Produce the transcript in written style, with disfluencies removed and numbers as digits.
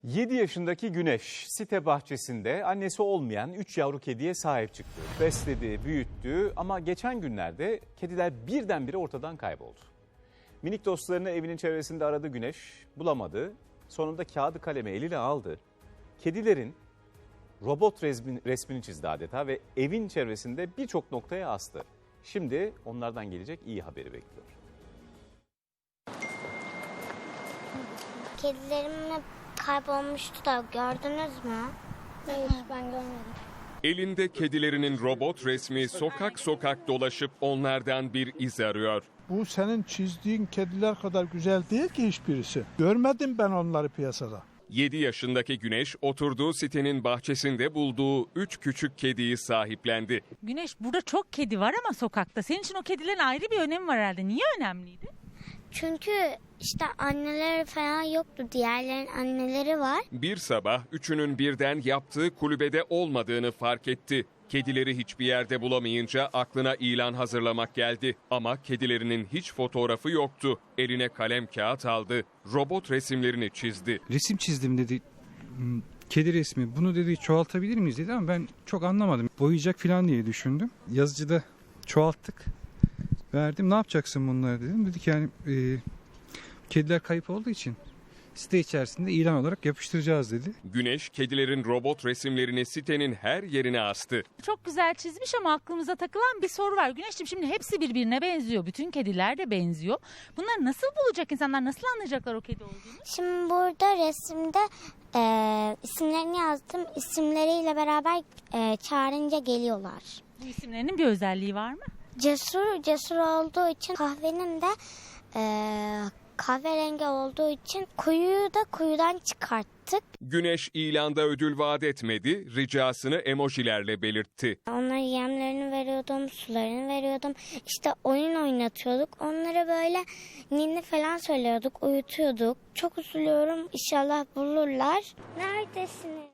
7 yaşındaki Güneş site bahçesinde annesi olmayan 3 yavru kediye sahip çıktı. Besledi, büyüttü ama geçen günlerde kediler birdenbire ortadan kayboldu. Minik dostlarını evinin çevresinde aradı Güneş, bulamadı. Sonunda kağıdı kalemi eliyle aldı. Kedilerin robot resmini çizdi adeta ve evin çevresinde birçok noktaya astı. Şimdi onlardan gelecek iyi haberi bekliyor. Kedilerim hep kaybolmuştu da gördünüz mü? Hayır, ben görmedim. Elinde kedilerinin robot resmi sokak sokak dolaşıp onlardan bir iz arıyor. Bu senin çizdiğin kediler kadar güzel değil ki hiçbirisi. Görmedim ben onları piyasada. 7 yaşındaki Güneş oturduğu sitenin bahçesinde bulduğu 3 küçük kediyi sahiplendi. Güneş, burada çok kedi var ama sokakta. Senin için o kedilerin ayrı bir önemi var herhalde. Niye önemliydi? Çünkü işte anneleri falan yoktu. Diğerlerin anneleri var. Bir sabah üçünün birden yaptığı kulübede olmadığını fark etti. Kedileri hiçbir yerde bulamayınca aklına ilan hazırlamak geldi. Ama kedilerinin hiç fotoğrafı yoktu. Eline kalem kağıt aldı. Robot resimlerini çizdi. Resim çizdim dedi. Kedi resmi. Bunu dedi çoğaltabilir miyiz dedi ama ben çok anlamadım. Boyayacak falan diye düşündüm. Yazıcıda çoğalttık. Verdim. Ne yapacaksın bunları dedim. Dedi ki yani kediler kayıp olduğu için site içerisinde ilan olarak yapıştıracağız dedi. Güneş kedilerin robot resimlerini sitenin her yerine astı. Çok güzel çizmiş ama aklımıza takılan bir soru var. Güneşciğim, şimdi hepsi birbirine benziyor. Bütün kediler de benziyor. Bunları nasıl bulacak insanlar? Nasıl anlayacaklar o kedi olduğunu? Şimdi burada resimde isimlerini yazdım. İsimleriyle beraber çağırınca geliyorlar. Bu isimlerinin bir özelliği var mı? Cesur olduğu için, kahvenin de kahverengi olduğu için kuyuyu da kuyudan çıkarttık. Güneş ilanda ödül vaat etmedi, ricasını emojilerle belirtti. Onlara yemlerini veriyordum, sularını veriyordum. İşte oyun oynatıyorduk. Onlara böyle ninni falan söylüyorduk, uyutuyorduk. Çok üzülüyorum. İnşallah bulurlar. Neredesiniz?